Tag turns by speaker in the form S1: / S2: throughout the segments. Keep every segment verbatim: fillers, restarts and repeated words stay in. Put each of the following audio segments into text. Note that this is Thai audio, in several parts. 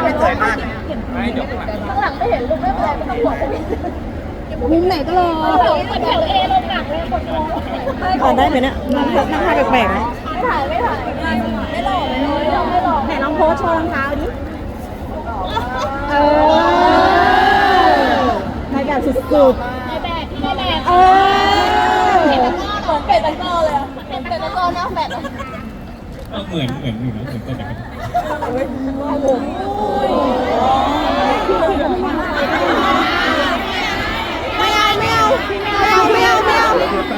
S1: ไม่สวยมาก
S2: ไม่เดี๋ยวข้างหลัง
S3: ข้างหลังไม่เห็นลูกไม่เป็นไรไม่ต้องห่วง
S4: มุมไหนก็รอ
S3: เหมือนแถวเอลงหนักเลยคนมอง
S4: ขอได้ไหมเนี่ยนั่งนั่งท่าแปลกๆนะ
S3: ไม่ถ่ายไม่ถ่ายไม่หล่อไม่หล่อไม่หล่อไม่หล่อ
S4: ไหนลองโพสโชว์รองเท้าดิเออในแบบสุด
S3: ในแบบที่ในแบบ
S4: ๆเออ
S3: เหมือนเป็ดตะกร้อเลยอ่ะเหมือนเป็ดตะกร้อหน้าแฟด
S2: เหมือนเหมือนอยู่นะเหมือนกันแต่กัน
S4: ไม่เอาไม่เอาไม่เอาไม่เอาไม่เอา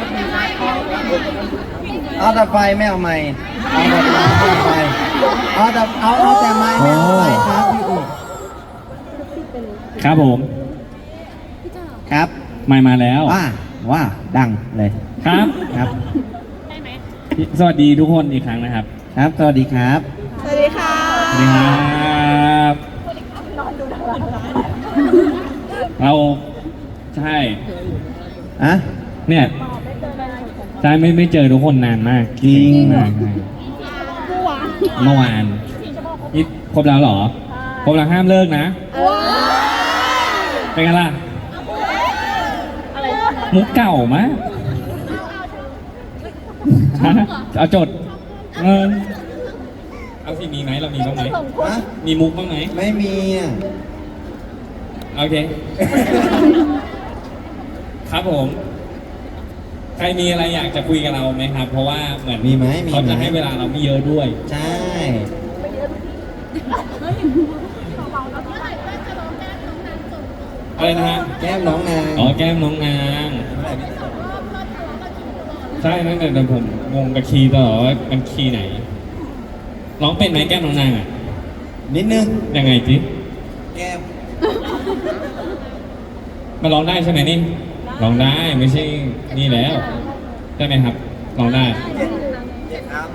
S1: เอาแต่ไฟไม่เอาไม้เอาแต่ไม้ไม่เอาไฟเอาแต่เอาเอาแต่ไม้ไม่เอาไฟครับพี่อุ๋
S2: ครับผม
S1: ครับ
S2: ไม่มาแล้ว
S1: ว่าว่าดังเลย
S2: ครับ
S1: ครับ
S2: สวัสดีทุกคนอีกครั้งนะครับ
S1: ครับสวัสดีครับ
S4: สวัสดีค่ะ
S2: สวัสดีครับเราใช่
S1: อะ
S2: เนี่ยใช่ไม่ไม่เจอทุกคนนานมาก
S1: จริง
S2: มากใช่เมื่อวานนี่ครบแล้วเหรอครบแล้วห้ามเลิกนะเป็นไงล่ะมุกเก่ามะฮะเอาจดเงินเอาสิมีไหมเรามีบ้างไหม
S1: ฮะ
S2: มีมุกบ้างไหม
S1: ไม่มีอ่ะ
S2: โอเค ครับผม ใครมีอะไรอยากจะคุยกับเราไหมครับ เพราะว่าเหมือน
S1: มีไหมมี
S2: เขา
S1: ไหม
S2: จะให้เวลาเราไม่เยอะด้วย
S1: ใช่
S2: อะไรนะฮะ
S1: แก้มน้องนาง
S2: อ๋อแก้มน้องนางใช่นั่นแต่ผมงงกับคีย์ตลอดว่ามันคีย์ไหนร้องเป็นไหมแก้มน้องนางอ่ะ
S1: นิดนึง
S2: ยังไงจิ
S1: แก้ม
S2: มาร้องได้ใช่ไหมนี่ร้องได้ไม่ใช่นี่แล้วใช่ไหมครับร้องได้
S1: เจ็ดครับ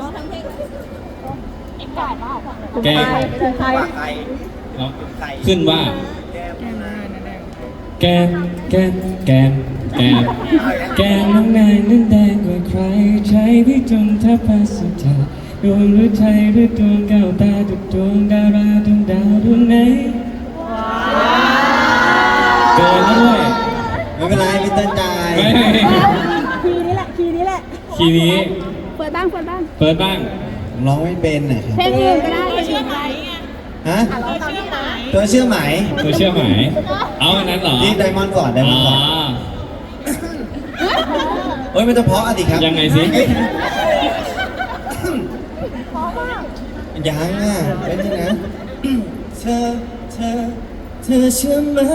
S2: แก้ม
S4: ถึงใคร
S1: ว่าใคร
S2: ร้องขึ้นว่า
S1: แก้ม
S2: แก้มแก้มแก้มแก้มแก้มน้องนายนั้นแดงกว่าใครใช้พี่จนแทบพัสดาดวงหรือใจหรือดวงแก้วตาทุกดวงดาราดวงดาวดวงไหนเกินแล้วด้วย
S1: ไม่เป็นไรพี่เต้นจ่าย
S2: ไม่
S4: คีย์นี้แหละคีย์นี้แหละ
S2: คีย์นี้
S4: เปิดบ้างเปิดบ้าง
S2: เปิดบ้าง
S1: ผมร้องไม่เป็นนะครับ
S4: เพลงอื่นก็ได้เพลงอื่น
S1: ฮะตัวเชื่อไหม
S2: เธอเชื่อไหมเอาอันนั้นเหรอ
S1: นี่ไดมอนด์ก่อนไดม
S2: อ๋
S1: อน
S2: อ
S1: ด์ก่อนเฮ้ยมันจะเพราะอะดิครับ
S2: ยังไงสิ
S1: ยังอ่ะเป็นยังไงเธอเธอเธอเชื่อไหม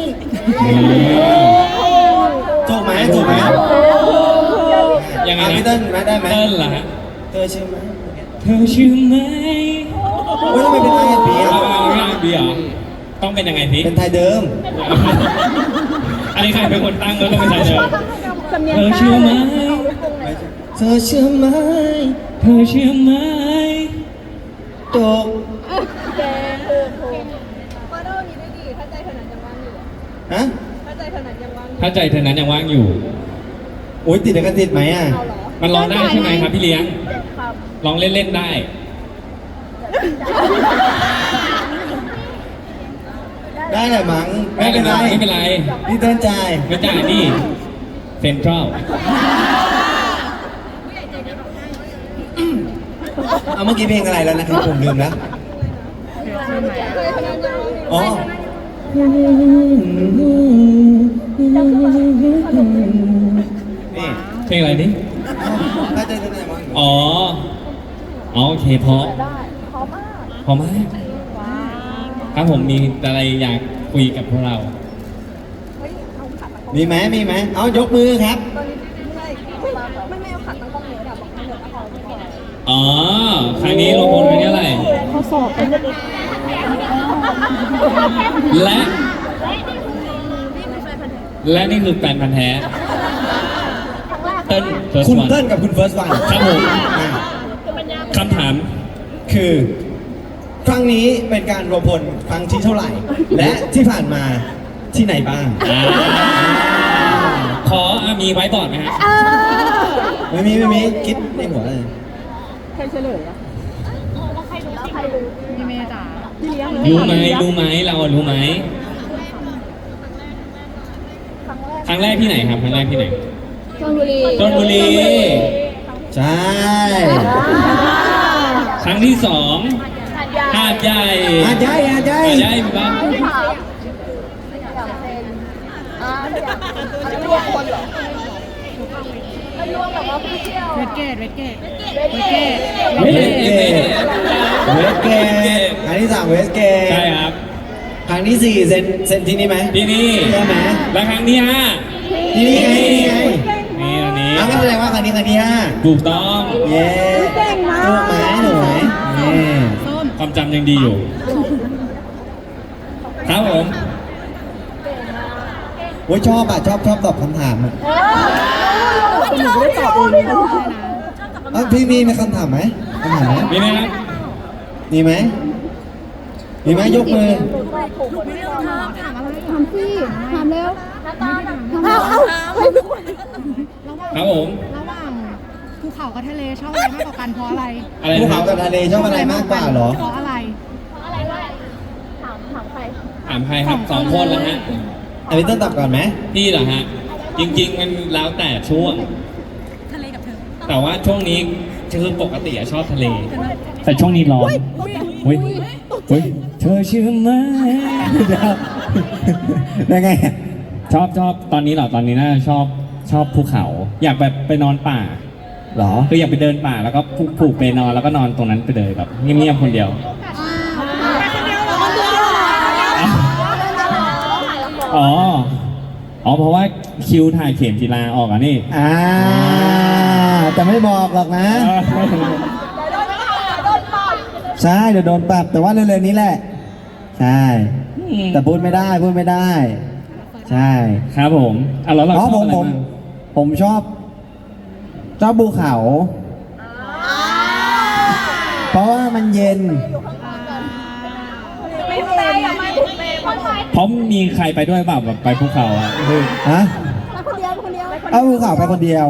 S1: ถูกไหมถูกไหม
S2: ยังไง
S1: อ่ะ
S2: นะ
S1: พี่เต้นไหมได้ไหม
S2: เต้นเหรอฮะ
S1: เธอเชื่อไหม
S2: เธอเชื่อไหม
S1: เฮ้ยทำไมเป็นไทยเปีย
S2: เอาเอาเอาเบียร์ต้องเป็นยังไงสิ
S1: เป็นไทยเดิม
S2: อันนี้ใครเป็นคนตั้งแล้วต้องเป็นใครเดิม
S4: สำเนียง
S2: เธอ
S4: ใต้
S2: เชื่อไหม
S1: เธอเชื่อไหม
S2: เธอเชื่อไหม
S1: ตก
S3: แกคือถูกว่าโดนี้ได้ดีถ้าใจขนาดยังว่างอยู่
S1: ฮะ
S3: ถ้าใจขนาดยังว่างอยู่
S2: ถ้าใจเธอนั้นยังว่างอยู่
S1: โอ้ยติดกันติดไหมอ่ะ
S3: เอาเหรอ
S2: มันร้องได้ใช่ไหมครับพี่เลี้ยง
S3: ครับ
S2: ร้องเล่นๆได้
S1: ได้แหละมั้งไม่เป็นไร
S2: ไม่เป็นไร
S1: พี่เต้นจ่าย
S2: ไม่จ่ายนี่เซ็นทรัล
S1: เอาเมื่อกี้เพลงอะไรแล้วนะครับผมลืมแล้ว
S3: ใจขนาดยังว่างอยู่
S1: อ๋อ นี่
S2: เพลงอะไรนี่
S1: ถ้าเจอที่ไหนมั้ง
S2: อ๋ออ๋อโอเคเพราะ
S3: ได้พร้อมมาก
S2: เพราะมากครับผมมีอะไรอยากคุยกับพวกเรา
S3: เฮ้ยเอาขัดตั้งกล้อง
S1: มีไหมมีไหมเอายกมือครับ
S3: ตอนนี้ไม่ไม่ไม่เอาขัดตั้งกล้องเลยอะบอกให้เหลือเอาของก่อน
S2: อ๋อ ครั้งนี้ลงทุนไปเท่าไหร่
S4: ข้อสอบเป็น
S2: และ และนี่คือแฟนพันธ์แท้ เติ้ลเฟิร์ส
S1: คุณ
S2: วัน
S1: เติ้ลกับคุณเฟิร์สวัน
S2: ครับผม คำถาม
S1: คือ ครั้งนี้เป็นการรวมพลครั้งที่เท่าไหร่ และที่ผ่านมาที่ไหนบ้าง
S2: อ่าขออ่ะมีไว้บอร์ดไหมฮะ
S1: ไม่มีไม่มีคิดในหัวเลย
S4: ใครเฉลยอ่ะ
S3: แล้วใครดูพี่เมย์จ๋า
S2: รู้ไหมรู้ไหมเราอะรู้ไหมครั้งแรกที่ไหนครับครั้งแรกที่ไหน
S3: ชลบุรี
S2: ชลบุรี
S1: ใช่
S2: ครั้งที่สองหาดใหญ่
S1: อาใช่อาใช่
S2: หาดใหญ่บ้าง
S3: อ่าอยากรวมคนเหรอไม่รวมแบบว่าพี่เที่ยว
S4: เวทเกตเวทเกต
S3: เวทเกต
S1: เวสเกตเวสเกตครั้งที่สามเวสเกต
S2: ใช่ครับ
S1: ครั้งที่สี่เซนเซนที่นี่ไหม
S2: ที่นี่
S1: ใช่ไหม
S2: และครั้งที่ห้า
S1: ที่นี่ไงที่นี่ไง
S2: นี่อันนี้
S1: อ้าวก็แสดงว่าครั้งนี้ครั้งที่ห้า
S2: ถูกต้อง
S1: เย้ถูกไหมหนูไหมเย้
S2: ความจำยังดีอยู่ ครับผม
S1: โอ้ยชอบอ่ะชอบชอบตอบคำถามอ่ะ
S3: หนูไม่ได้ตอบเองนะ
S1: เอ้าพี่มีมีคำถามไหมคำถามไหม
S2: มีไหมครับ
S1: มีไหมมีไหมยกมือ
S3: ถามพี่ถามเร็วเอาเอาให้ทุกคน
S2: ครับผม
S4: ระหว่างภูเขากับทะเลชอบอะไรมากกว่ากันเพราะอะไร
S2: อะไร
S1: ภู
S2: นะค
S1: เขา
S2: รับ
S1: กับทะเลชอบอะไรมากกว่าเหรอ
S4: เพราะอะไร
S3: ถามถามใคร
S2: ถามใครครับสองคนแล้วฮะ
S1: อันนี้ต้องตอบก่อนไหม
S2: พี่เหรอฮะ จริง ๆ มันแล้วแต่ช่วง
S4: ทะเลกับเธอ
S2: แต่ว่าช่วงนี้คือปกติอะชอบทะเล แต่ช่วงนี้ร้อนเฮ้ยเฮ้ยเธอเชื่อไหม
S1: ได้ไง
S2: ชอบชอบตอนนี้เหรอตอนนี้น่าจะชอบชอบภูเขา อยากแบบไปนอนป่า
S1: เหรอ
S2: คืออยากไปเดินป่าแล้วก็ผูกผูกไปนอนแล้วก็นอนตรงนั้นไปเลยแบบเงียบๆคนเดียว อ๋อ อ๋อ เพราะว่าคิวถ่ายเข็มจีราออกอ่ะนี่
S1: อ่าแต่ไม่บอกหรอกนะ ใช่เดี๋ยวโดนปรับแต่ว่าเร็วๆนี้แหละ ใช่ แต่พูดไม่ได้พูดไม่ได้ ใช่
S2: ครับผมอ่ะแล้วเรา
S1: อ๋อ
S2: ชอบ
S1: ผม
S2: อะไร
S1: ผม
S2: บ้าง
S1: ผมชอบชอบภูเขา เพราะว่ามันเย็น
S3: ไม่เปย์ไม่ถูกเปย์คนไทย
S2: เพราะมีใครไปด้วยเปล่าแบบไปภูเขาอ่ะ
S1: ฮะ
S3: มาคนเดียวคนเดียว
S1: เอาภูเขาไปคนเดียว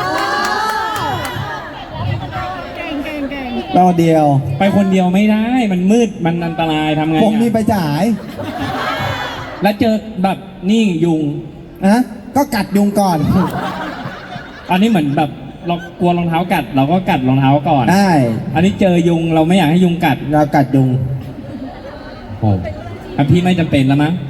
S4: เก่งเก่งเก่ง
S1: ไปคนเดียว
S2: ไปคนเดียวไม่ได้ มันมืดมันอันตรายทำไง
S1: ผมมี
S2: อ่ะ
S1: ไปจ่าย
S2: แล้วเจอแบบนี่ยุง
S1: นะก็กัดยุงก่อน
S2: อันนี้เหมือนแบบเรากลัวรองเท้ากัด เราก็กัดรองเท้าก่อน
S1: ได้
S2: อันนี้เจอยุงเราไม่อยากให้ยุงกัด
S1: เรากัดยุง
S2: โอ้อ่ะพี่ไม่จำเป็นแล้วมั้ง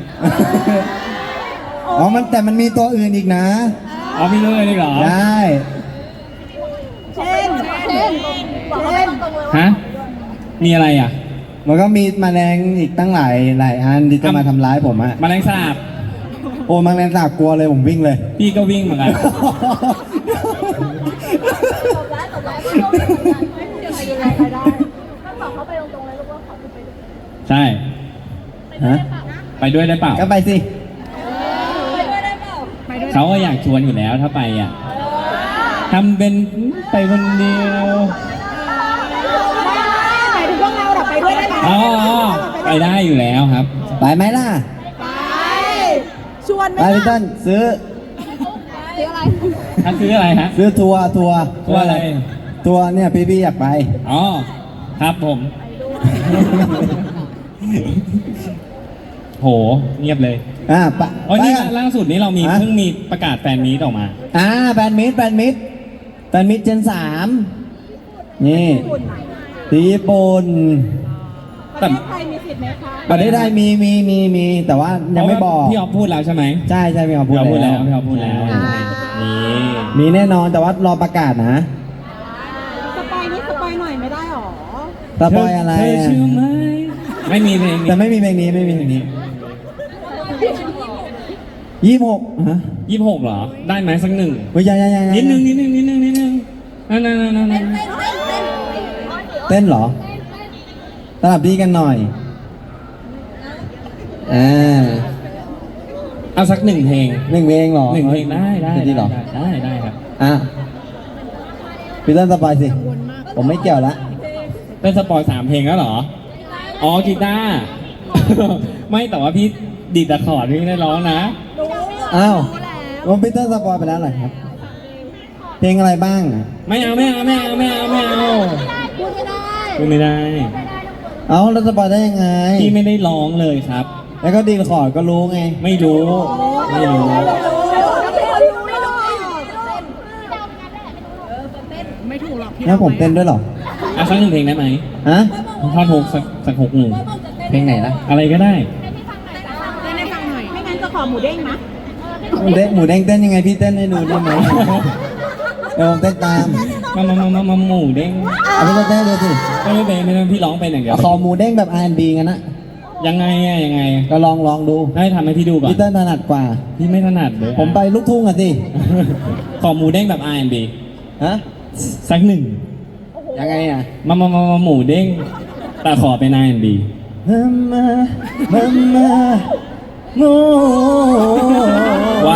S1: อ๋อมันแต่มันมีตัวอื่นอีกนะ
S2: อ๋อพี่เลยดีเหรอ
S1: ได้
S3: เช่นเช่นบอกเขาไม่ตรงๆเลยว่า
S2: ฮะมีอะไรอ่ะ
S1: มันก็มีแมลงอีกตั้งหลายหลายอันที่จะมาทำร้ายผมอะ
S2: แมลงสาบ
S1: โอ้แมลงสาบกลัวเลยผมวิ่งเลย
S2: พี่ก็วิ่งเหมือนกัน
S3: ตบร้ายตบร้ายไม่รู้ไม่รู้ใครดูแลใครได้ต้องบอกเขาไปตรงๆเลยลูกว่าขอคุณไปด้วย
S2: ใช่
S1: ฮะ
S2: ไปด้วยได้เปล่า
S1: ก็ไปสิ
S3: ไปด้วยได้เปล่า
S4: ไปด้วย
S2: เขาก็อยากชวนอยู่แล้วถ้าไปอ่ะทำเป็นไปคนเดียว
S4: ไปถึงพวกเราหรอไปด้วยได้ไหม
S2: อ๋ออ๋อไปได้อยู่แล้วครับ
S1: ไปไหมล่ะ
S4: ไปชวนไหม
S1: ไปพี่ต้นซื้อ
S3: ซื้ออะไร
S2: ถ้าซื้ออะไรฮะ
S1: ซื้อทัวร์ทัวร์
S2: ทัวร์อะไร
S1: ทัวร์เนี่ยพี่พี่อยากไป
S2: อ๋อครับผม โหเงียบเลย
S1: อ่าปะ
S2: อ๋อนี่
S1: ไปกั
S2: ล่าสุดนี้เรามี
S1: ฮะ
S2: เพิ่งมีประกาศแฟนมีตออกมา
S1: อ่าแบนมิดแบนมิดแบนมิดเจนสามนี่ที่ญี่ปุ่น
S2: แต่
S3: ใครมีสิทธิ์ไหมคะ
S1: ประเทศไทยมีมีมีมีแต่ว่ายังไม่บอก
S2: พี่ออฟพูดแล้วใช่ไหม
S1: ใช่ใช่พี่ออฟพู
S2: พี่
S1: ด
S2: ออฟพูดแล้ว
S1: แล้ว
S2: พี่ออฟพูดแล้วนี่
S1: มีแน่นอนแต่ว่ารอประกาศนะ
S3: สปอยนี่สปอยหน่อยไม่ได้หรอ
S1: สปอยอะไร
S2: เธอ
S1: อะ
S2: เชื่อไหมไม่มีเพลงนี้
S1: แต่ไม่มีเพลงนี้ไม่มีเพลงนี้ยี่สิบหกฮะ
S2: ยี่สิบหกเหรอ ได้ไหมสักหนึ่ง
S1: เฮ้ยยังยังยังยัง
S2: นิดนึงนิดนึงนิดนึงนิดนึงนั่นนั่นนั่นนั่น
S1: เต้นเหรอสลับดีกันหน่อยอ่า
S2: เอาสักหนึ่งเพลง
S1: หนึ่งเพลงเหรอ
S2: หนึ่งเพลงได้ได้
S1: จริงเหรอ
S2: ได้ได้ได้ครับ
S1: อ่ะพี่ต้นสปอยสิ ผมไม่เกี่ยวละ
S2: เป็นสปอยสามเพลงแล้วเหรอ อ๋อกีตาร์ ไม่แต่ว่าพี่ดีดตะขอร์ดพี่ไม่ได้ร้องนะ
S1: อ้าวผมพี่ต้นสปอยไปแล้วเหรอครับ เพลงอะไรบ้างอ่ะ
S2: ไม่เอาไม่เอาไม่เอาไม่เอาไม่เอา
S3: พูดไม่ได้
S2: พูดไม่ได้
S1: อเอาแล้วสปอยได้ยังไง
S2: พี่ไม่ได้ร้องเลยครับ
S1: แล้วก็ดีลคอร์ดก็รู้ไง
S2: ไม่รู้ ไม่รู้
S4: ไม่ถูกหรอกพี่
S1: แล้วผมเต้นด้วยเหรอ
S2: อ่ะสักหนึ่งเพลงได้ไหม
S1: ฮะ
S2: ท่อนฮุกสักสักหกหนึ่ง
S1: เพลงไหนล่ะ
S2: อะไรก็ได้
S4: เต้นให้ฟังหน่อย ไม่งั้นก็ขอหมูเด้งนะ
S1: หมูเด้งหมูเด้งเต้นยังไงพี่เต้นให้ดูได้ไหมเดี๋ยวผมเต้นตาม
S2: มามามามามาหมูเด้ง
S1: เอาพี่เต้นดูสิ
S2: ไม่ไม่เป็นไม่เป็นพี่ร้องเป็นอย่างเดียว
S1: ขอหมูเด้งแบบ อาร์ แอนด์ บี กันนะ
S2: ยังไงอะยังไง
S1: ก็ลองลองดู
S2: ให้ทำให้พี่ดูก่อน
S1: พี่เต้นถนัดกว่า
S2: พี่ไม่ถนัดเลย
S1: ผมไปลูกทุ่งอ่ะสิ
S2: ขอหมูเด้งแบบ อาร์ แอนด์ บี
S1: ฮะ
S2: สักหนึ่ง
S1: ยังไงอ่ะ
S2: มามามามาหมูเด้งแต่ขอเป็น อาร์ แอนด์ บี
S1: มามามามาโม
S2: ว้าว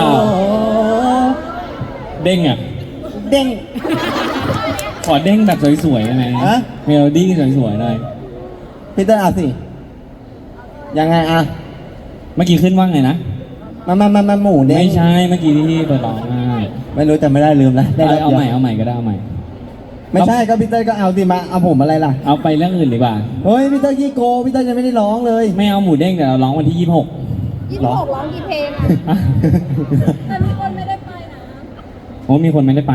S2: เด้งอ่ะ
S1: เด้ง
S2: ขอเด้งแบบสวยๆได้ไหม
S1: ฮะ
S2: เมโลดี้สวยๆหน่อย
S1: พี่เต้นเอาสิ ยังไงอ่ะ
S2: เมื่อกี้ขึ้นว่าไงนะ
S1: มามามามาหมูเด้ง
S2: ไม่ใช่ เมื่อกี้ที่พี่เปิดร้องอ่ะ
S1: ไม่รู้จำไม่ได้ลืมแล้วได้
S2: เอา
S1: แล้ว
S2: เอาใหม่
S1: ดี๋ยว
S2: เอาใหม่ก็ได้เอาใหม่
S1: ไม่ใช่ก็พี่เต้นก็เอาสิมาเอาผมอะไรล่ะ
S2: เอาไปเรื่องอื่นดีกว่า
S1: เฮ้ยพี่เต้นยี่โกพี่เต้นยังไม่ได้ร้องเลย
S2: ไม่เอาหมูเด้งเดี๋ยวเราร้องวันที่ยี่สิบหก
S3: ยี่สิบหกร้องกี่เพลงอ่ะแต่ทุกคนไม่ได้ไปนะ
S2: โอ้มีคนไม่ได้ไป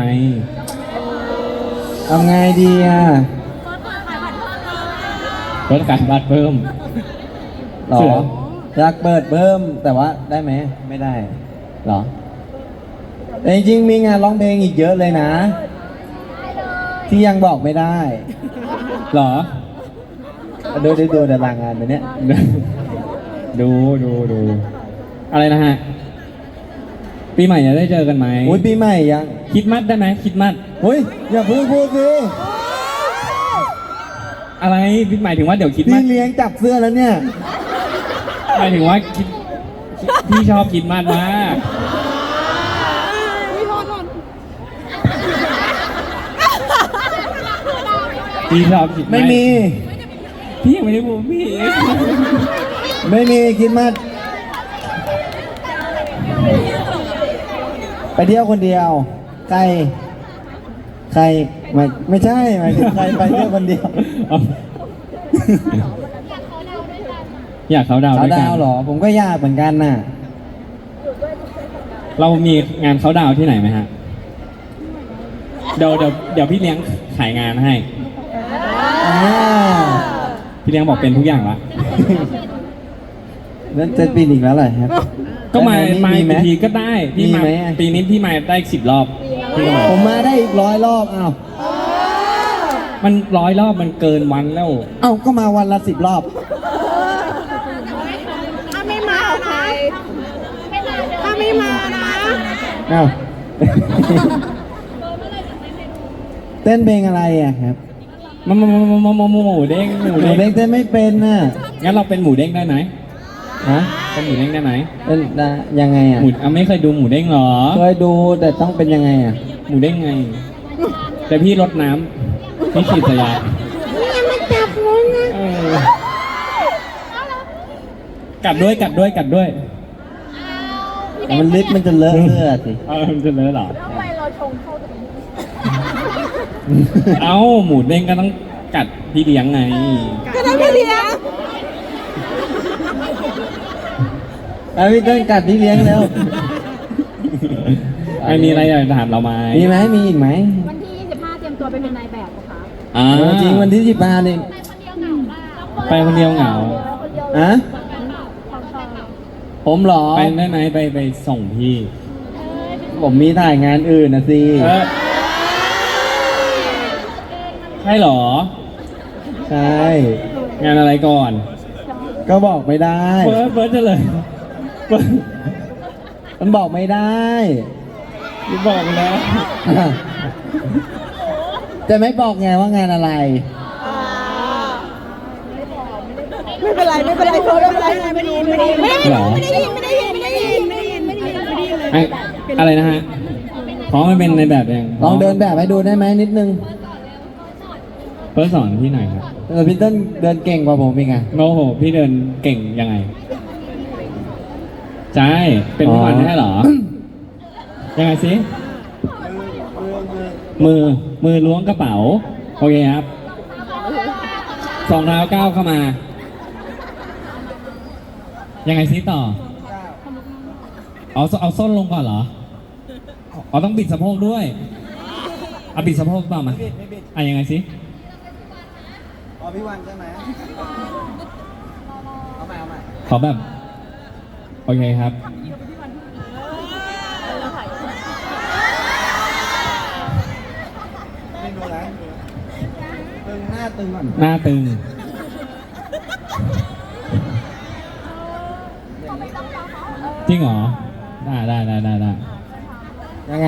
S1: เอาไงดีอ่ะ
S2: รถขายบัตรเพิ่ม
S1: หรอ
S2: เสือ
S1: อยากเปิดเพิ่มแต่ว่าได้ไหมไม่ได้หรอแต่จริงๆมีงานร้องเพลงอีกเยอะเลยนะ ที่ยังบอกไม่ได้
S2: เหรอ
S1: ดูดูดูตารางงานไปเนี้ย
S2: ดูดูดูอะไรนะฮะ ปีใหม่จะได้เจอกันไหม
S1: อุ้ยปีใหม่ยัง
S2: คิดมัดได้ไหมคิดมัด
S1: อุ้ยอย่าพูดพูดสิ
S2: อะไรพี่หมายถึงว่าเดี๋ยวคิดมั
S1: พี่
S2: ด
S1: เลี้ยงจับเสื้อแล้วเนี่ย
S2: หมายถึงว่าคิดพี่ชอบคิดมัดมาก
S4: พี่โทษโทษ
S2: พี่ชอบคิดด
S1: ไม่มี
S2: พี่ยังไม่ได้พูดพี่
S1: ไม่มีคิดมาสไปเที่ยวคนเดียว ใคร ใครไม่ไม่ใช่หมายถึงใครไปเที่ยวคนเดียว
S2: อยากเขาดาวน์
S1: เขา
S2: ด้วยกั
S1: ดาน วเหรอ ผมก็ยากเหมือนกันน่ะ
S2: เรามีงานเขาดาวน์ที่ไหนไหมฮะเดี๋ยวเดี๋ยวเดี๋ยวพี่เลี้ยงขายงานให้
S1: อ่า
S2: พี่เลี้ยงบอกเป็นทุกอย่างละ
S1: แล้วจะปีนอีกแล้วเหรอครับ
S2: ก็มา
S1: แล้ว
S2: มา
S1: ไหม
S2: อีกทีก็ได้พี่
S1: มี
S2: มา
S1: ไหมอะ
S2: ปีนี้พี่มาได้สิบรอบพี่ก็มา
S1: ผมมาได้อีกร้อยรอบอ้าว
S2: มันร้อยรอบมันเกินวันแล้ว
S1: เอ้าก็มาวันละสิบรอบ
S4: ถ้าไม่มานะถ้าไม่มานะ
S1: เอ้า เต้นเพลงอะไรอ่ะครับ
S2: มามามามามามาหมูเด้งหมู
S1: หนู
S2: เด้ง
S1: เด้งเต้นไม่เป็นน่ะ
S2: งั้นเราเป็นหมูเด้งได้ไหม
S1: ฮะ
S2: เป็นหมูเด้งได้ไหม
S1: เป็นได้ยังไงอ่ะ
S2: หมูอ่ะไม่เคยดูหมูเด้งเหรอ
S1: เคยดูแต่ต้องเป็นยังไงอ่ะ
S2: หมูเด้งไง แต่พี่รดน้ำพี่ฉีดสยา
S4: เนี่ยมันจับงูนะ
S2: เออกัดด้วยกัดด้วยกัดด้วย
S1: มันลิปมันจะเลอะเสื้อสิ
S2: เออมันจะเลอะเหรอ
S3: แล้วทำไมเราชงเข้าตรงนี้
S2: เอ้าหมูเด้งก็ต้องกัดพี่เลี้ยงไง
S4: ก็ต้องไปเลี้ยง
S1: เอาพี่เต้นกัดพี่เลี้ยงแล้ว
S2: ไม่มีอะไรอยากถามเราไหม
S1: มีไหมมีอีกไหม
S3: วันที่ยี่สิบห้าเตรียมตัวไปเป็นนายแบบเหรอคะ
S2: อ่า
S1: เออจริงวันที่สิบห้านี่
S3: ไปคนเดียวเหงาบ้าง
S2: ไปคนเดียวเหงา
S3: คนเดียว
S1: อะ
S3: ของชอบ
S1: ผมเหรอ
S2: ไปได้ไหมไปไปส่งพี่
S1: ผมมีถ่ายงานอื่นนะสิ
S2: เออใช่เหรอ
S1: ใช่
S2: งานอะไรก่อน
S1: ก็บอกไม่ได้
S2: เฟิร์สเฟิร์สจะเลยเฟิร์ส
S1: มันบอกไม่ได้
S2: บอกไปแล้ว
S1: จะไม่บอกไงว่างานอะไร
S4: ไม่เป็นไรไม่เป็นไรโทษไม่เป็นไรไม่ได้ยินไม่ได้ยินไม่ได้ยิน
S2: เหรอ
S4: ไม่ได้ยินไม่ได้ยินไม่ได้ยินไม่ได้ยินไม่ได้ยินไม่ได้ยินเลย
S2: ไอ้อะไรนะฮะพร้อมไม่เป็นในแบบยัง
S1: ลองเดินแบบให้ดูได้ไหมนิดนึง
S2: เฟิร์สสอนที่ไหนครับ
S1: เออพี่เต้นเดินเก่งกว่าผมอีกไง
S2: โอ้โห พี่เดินเก่งยังไง ใช่ เป็นทุกวัน
S1: อ๋อ
S2: ใช่เหรอ ยังไงสิ มือ มือล้วงกระเป๋า โอเคครับสองเท้าก้าวเข้ามา ยังไงซิต่อเอาเอาส้นลงก่อนเหรออ๋อต้องบิดสะโพกด้วยเอาบิดสะโพกต่อมา
S1: ไม่บิดไม่บิด
S2: อ่ะยังไงซิ
S1: อ๋อพี่วันใช่ไหมเอาใหม่เอาใหม่
S2: ขอแบบ โอเคครับ
S1: ไม่ดูแล้วตึงหน้าตึงก่อน
S2: หน้าตึง จริงเหรอ ได้ได้ได้ได้ได้
S1: ยังไง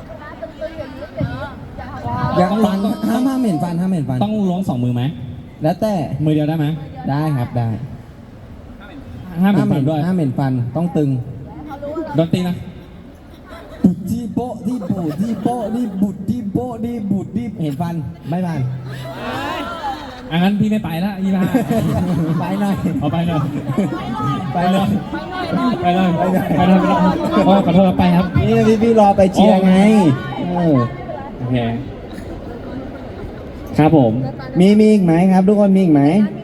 S1: ยังฟันห้ามห้ามเห็นฟันห้ามเห็นฟัน
S2: ต้องล้วงสองมือไหม
S1: แล้วแต่
S2: มือเดียวได้ไหม
S1: ได้ครับได้
S2: ห้ามเหมือน
S1: เห็
S2: กัน
S1: น
S2: ด้วย
S1: ห้ามเห็นฟันต้องตึง
S2: ดนตรีนะ
S1: บุดที่โป๊ะที่บูดที่โป๊ะที่บุดที่โป๊ะที่บุดที่เห็นฟันไม่ฟัน
S2: อันนั้นพี่ไม่ไปละยี่ห้า
S1: ไปหน่อย
S2: เอาไปเลย
S1: ไปหน่อย
S2: ไปเลยไปเลยไปเลยโอ้ขอโทษไปครับ
S1: นี่พี่พี่รอไปเชียร์ไงเออ
S2: โอเค ครับผม
S1: มีมีอีกไหมครับ ทุกคนมีอีกไหม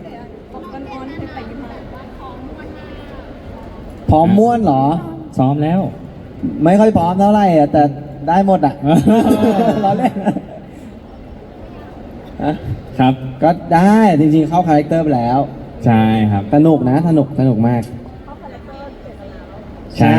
S1: พร้อมม้วนเหรอ
S2: ซ้อมแล้ว
S1: ไม่ค่อยพร้อมเท่าไหร่อะแต่ได้หมดอ่ะ รอเล่นฮะ
S2: ครับ
S1: ก็ได้จริงๆเข้าคาแรคเตอร์ไปแล้ว
S2: ใช่ครับ
S1: สนุกนะสนุกสนุกมาก
S2: ใช่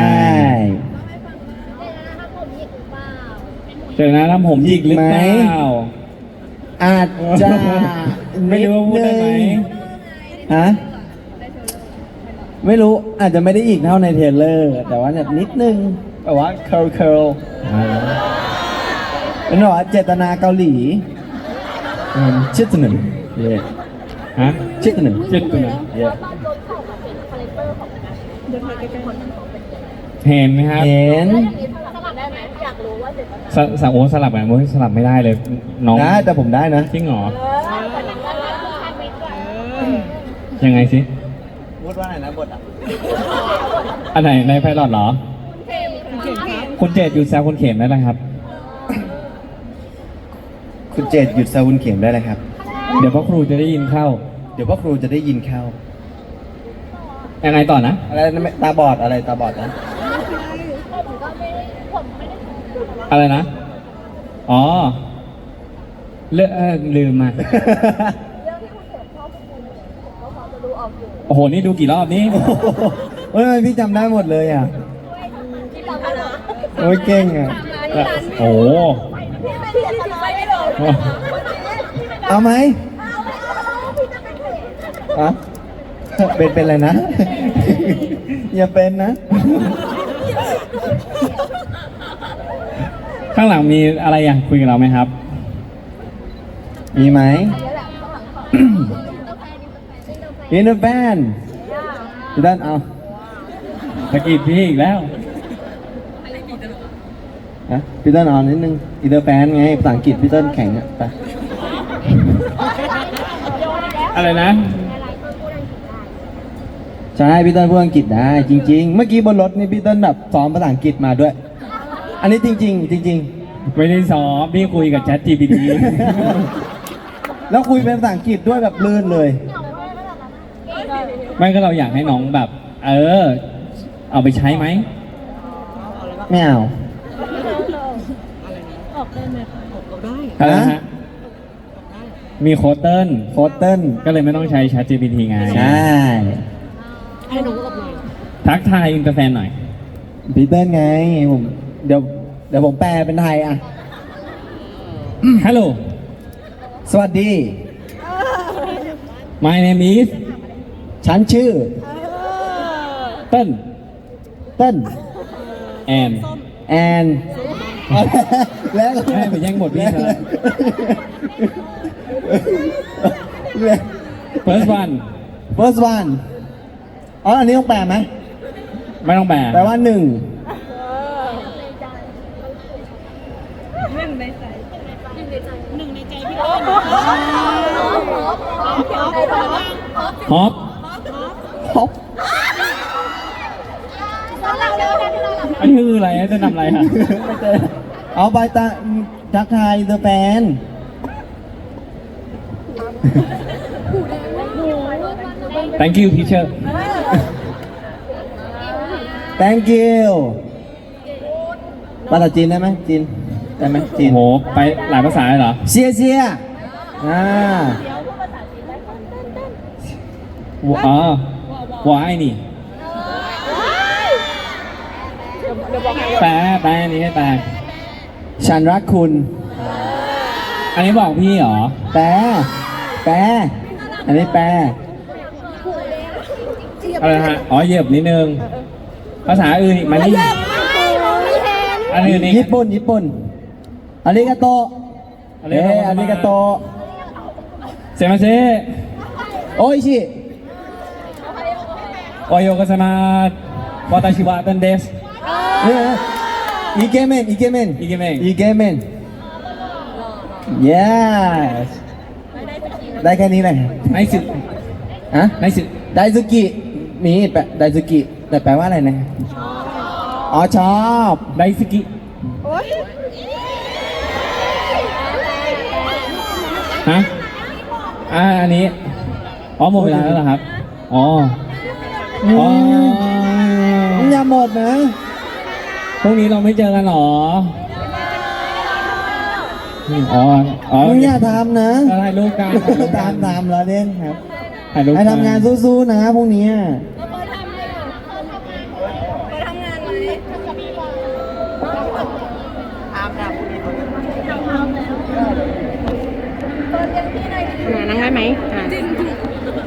S2: เจอนะทำผมหยิกหรือเปล่า
S1: อาจจะ
S2: ไม่รู้ว่าพูดได้ไหม
S1: ฮะไม่รู้อาจจะไม่ได้อีกเท่าในเทรลเลอร์ แต่ว่าแบบนิดนึงแบบว่าเคิร์ลเคิร์ลเป็นแบบว่าเจตนาเกาหลีอืมชิดหนึ่งเย่
S2: ฮะ
S1: ชิดหนึ่ง
S2: เจ็ดตัวนะ
S1: เย่
S2: เห็นไหมครับ
S1: เห็น
S2: สสโอ้สลับแบบสลับไม่ได้เลย น้อง
S1: ได้แต่ผมได้นะ
S2: จริงเหรอ ยังไงสิ
S1: พูดว่าอะไรนะบทอ่ะ
S2: อันไหนในไพลอตเหรอ คุณเจดอยู่แซวคุณเข็มได้เลยครับ
S1: คุณเจดหยุดซาวุนเข็มได้เลยครับ
S2: เดี๋ยวพ่อครูจะได้ยินเข้า
S1: เดี๋ยวพ่อครูจะได้ยินเข้า
S2: ยังไงต่อนะ
S1: อะไรนะตาบอดอะไรตาบอดนะ
S2: อะไรนะ อ๋อ เลือกเอ่อลืมมา โอ้โห นี่ดูกี่รอบนี่
S1: เฮ้ยพี่จำได้หมดเลยอ่ะ โอ้ยเก่งอ่ะ
S2: โอ้โห
S1: เอาไหมอะเป็นเป็นอะไรนะ อย่าเป็นนะ
S2: ข้างหลังมีอะไรอยากคุยกับเราไหมครับ
S1: มีไหม อินเตอร์แฟนพี่ด้านเอา
S2: ตะกี้พี่อีกแล้ว
S1: ฮะพี่ต้นเอานิดนึงอินเตอร์แฟนไงภาษาอังกฤษพี่ต้นแข็งอ่ะไป
S2: อะไรนะ
S1: ใช่พี่ต้นพูดอังกฤษได้จริง ๆ เมื่อกี้บนรถนี่พี่ต้นแบบซ้อมภาษาอังกฤษมาด้วย อันนี้จริง ๆ จริง
S2: ไม่ได้ซ้อมพี่คุยกับ Chat จี พี ที
S1: ๆ แล้วคุยเป็นภาษาอังกฤษด้วยแบบลื่นเลย
S2: ไม่ก็เราอยากให้น้องแบบ เออ เอาไปใช้ไหม
S1: ไม่เอา
S2: อะไรนะฮะ มีโค้ดเติ้ล
S1: โค้ดเติ้ล
S2: ก็เลยไม่ต้องใช้ Chat จี พี ที ไง
S1: ใช่
S2: ทักทายอินเตอร์แฟนหน่อย
S1: พี่เติ้ลไงผมเดี๋ยวเดี๋ยวผมแปลเป็นไทยอ่ะ
S2: ฮัลโหล
S1: สวัสดี
S2: my name is
S1: ฉันชื่อ
S2: เติ้ล
S1: เติ้ล
S2: and
S1: แอนแล้ว
S2: ให้ไปแย่งบทพี่ซะแล้ว first one
S1: first one อ๋ออันนี้ต้องแปลไหม
S2: ไม่ต้องแปล
S1: แปลว่าหนึ่ง
S2: ฮอป
S1: ฮอป
S2: อันนี้คืออะไรจะนำอะไรฮะ
S1: เอาไปตาทักทายเดอะแฟน
S2: thank you teacher
S1: thank you ภาษาจีนได้ไหมจีนได้ไหมจี
S2: โอ้
S1: น
S2: โหไปหลายภาษาเลยเหรอ
S1: เชียเชียอ่า
S2: อ๋อวายนี่แปลแปลอันนี้ให้แปล
S1: ฉันรักคุณ
S2: อันนี้บอกพี่เหรอ
S1: แปลแปลอันนี้แปล
S2: อะไรนะฮะ อ๋อเหยียบนิดนึง ภาษาอื่นอีกไหมานี่อันอื่นอีก
S1: ญี่ปุ่นญี่ปุ่นอาริกาโตเอ้อาริกาโต
S2: เซมาเซ
S1: โออิชิ
S2: โอโยกาซามาวาตาชิวะตันเดส
S1: เนี่ยอิเกเมนอิเกเมน
S2: อิเกเมน
S1: อิเกเมน yes ได้แค่นี้เลย
S2: ไนสึ
S1: ฮะ
S2: ไนสึ
S1: ไดซุกิมีแปลไดซุกิแต่แปลว่าอะไรนะอ๋อชอบ
S2: ไดสกิฮะอ่าอันนี้ อ๋อหมดเวลาแล้วเหรอครับ อ๋อ อ๋อ
S1: อย่าหมดนะ
S2: พรุ่งนี้เราไม่เจอกันเหรอ อ๋อ อ๋อ
S1: มึงอย่าทำนะ
S2: เราถ่ายรูปกัน
S1: ตามตามเราเด่นครับ
S2: ถ่ายรูปกั
S1: ให้ทำงานสู้ๆนะพรุ่งนี้
S4: มานั่งได้ไหมอ่า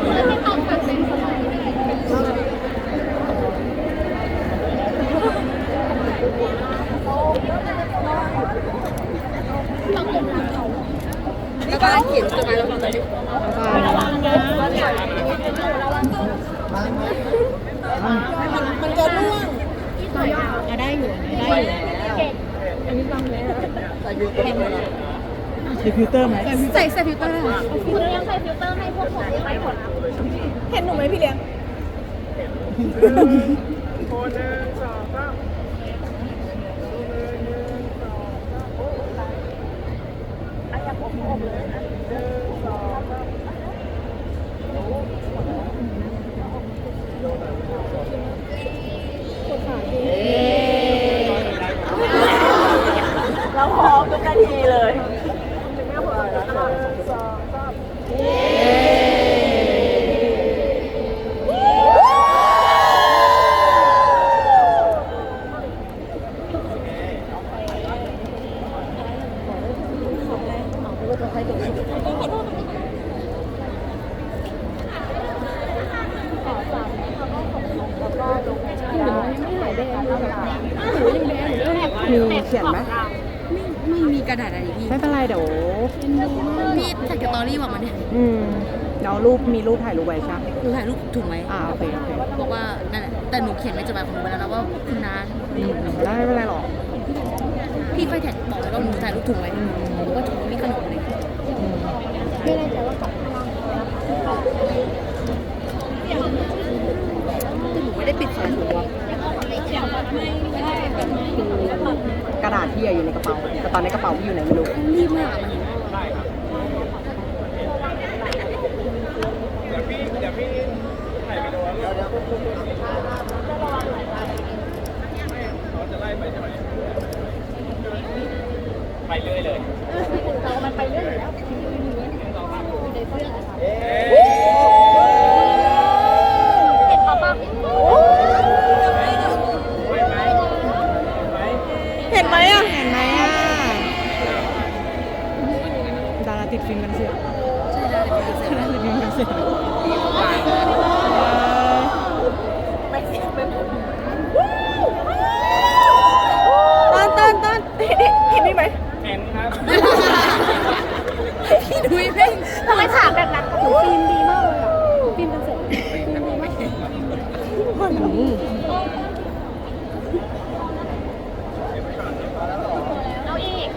S4: แล้วก็เขียนจดหมายแล้วก็ระวังนะมันจะร่วงอ่ะได้อยู่ได้อยู่ใส่ฟิลเตอร์ไหมใส่ใส่ฟิลเตอร์ได้ค่ะ
S3: คุณยังใส่ฟิลเตอร์ให้พวกผมได้ไหมผล
S4: เห็นหนูไหมพี่เลี้ยง
S3: เราพร้อมทุกนาทีเลย
S4: มีเขียนไหม
S5: ไม่มีกระดาษอะไรพี่
S4: ไม่เป็นไรเดี๋ยว
S5: พี่ถ่ายสตอรี่บอกมาเนี่ย
S4: อืมเดี๋ยวรูปมีรูปถ่ายรูปไว้ใช่ไหม
S5: หนูถ่ายรูปถูกไหม
S4: อ่าโอเคโอเค
S5: บอกว่านั่นแหละแต่หนูเขียนในจดหมายของหนูไปแล้วนะว่าคุณน้า
S4: อืมได้ไม่เป็นไรหรอก
S5: พี่ไปถ่ายบอกเลยว่าหนูถ่ายรูปถูกไหมหนูก็ถูกมีขนมเลย
S4: อืม
S3: ไม่แน่ใจว่าขับพลัง
S5: แต่หนูไม่ได้ปิดฝาถุงว่ะ
S4: กระดาษที่อยู่ในกระเป๋าแต่ตอนนี้กระเป๋าพี่อยู่ไหนไม่รู้
S5: รีบมากอะมัน
S2: ไปเรื่อยเลย
S3: เรามันไปเรื่อยอยู่แล้วในเสื้อเห็นเขาปะ
S4: เห็นไหมอ่ะเห็นไหมอ่ะดาราติดฟิล์มกันเสีย
S5: ใช่แล้วเดี๋ยวเสร็จแล้ว
S4: ติดฟิล์มกันเสีย ต้นต้นต้นเห็นไหม
S2: เห็นครับ
S5: พี่ดุยเพ่ง
S3: ทำไมถามแบบนั้นหนูฟิล์มดีมากเลยอ่ะฟิล์มกันเสร็จฟิล์มดีมากเอาอีก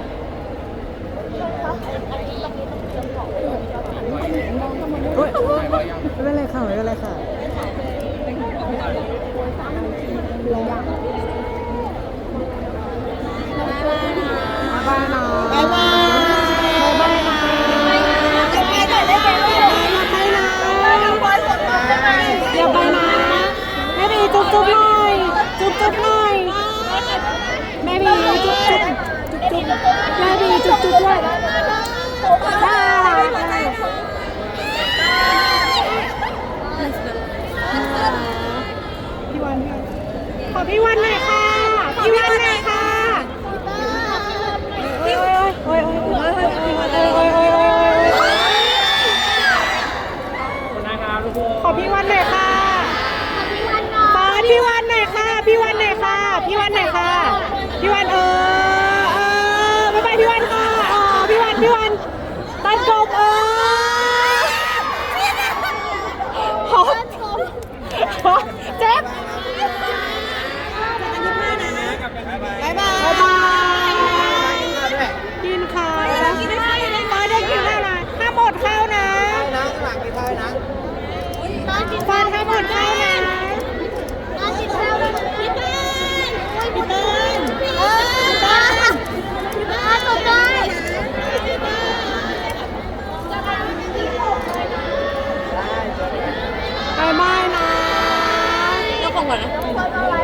S4: โอ๊ยไม่เป็นไรค่ะไม่เป็นไรค่ะบายบายนะบายบายบายบายนะบายบายนะบายบายหน่อยได้ไหมลูกช่วยน่ารักพี่วันขอพี่วันหน่อยค่ะ พี่วันหน่อยค่ะโอ้ยโอ้ยโอ้ยโอ้ยโอ้ยโอ้ยโอ้ยโอ้ยโอ้ยขอพี่วันหน่อยค่ะขอพี่วันหน่อยค่ะ พี่วันหน่อยค่ะ พี่วันหน่อยค่ะ พี่วันเออเออบ๊ายบายพี่วันค่ะอ๋อพี่วันพี่วันตัดจบเออขอเจ็บบ๊ายบายบ๊ายบายกินข้าวกินข้าวมาได้กินข้าวนะห้ามหมดข้าวนะฟันห้ามหมดข้าวนะพี่เติ้ลพี่เติ้ลพี่เติ้ลเออพี่เติ้ลพี่เติ้ลจบได้บายบายนะ
S5: ยกของก่อนนะ
S3: อะไร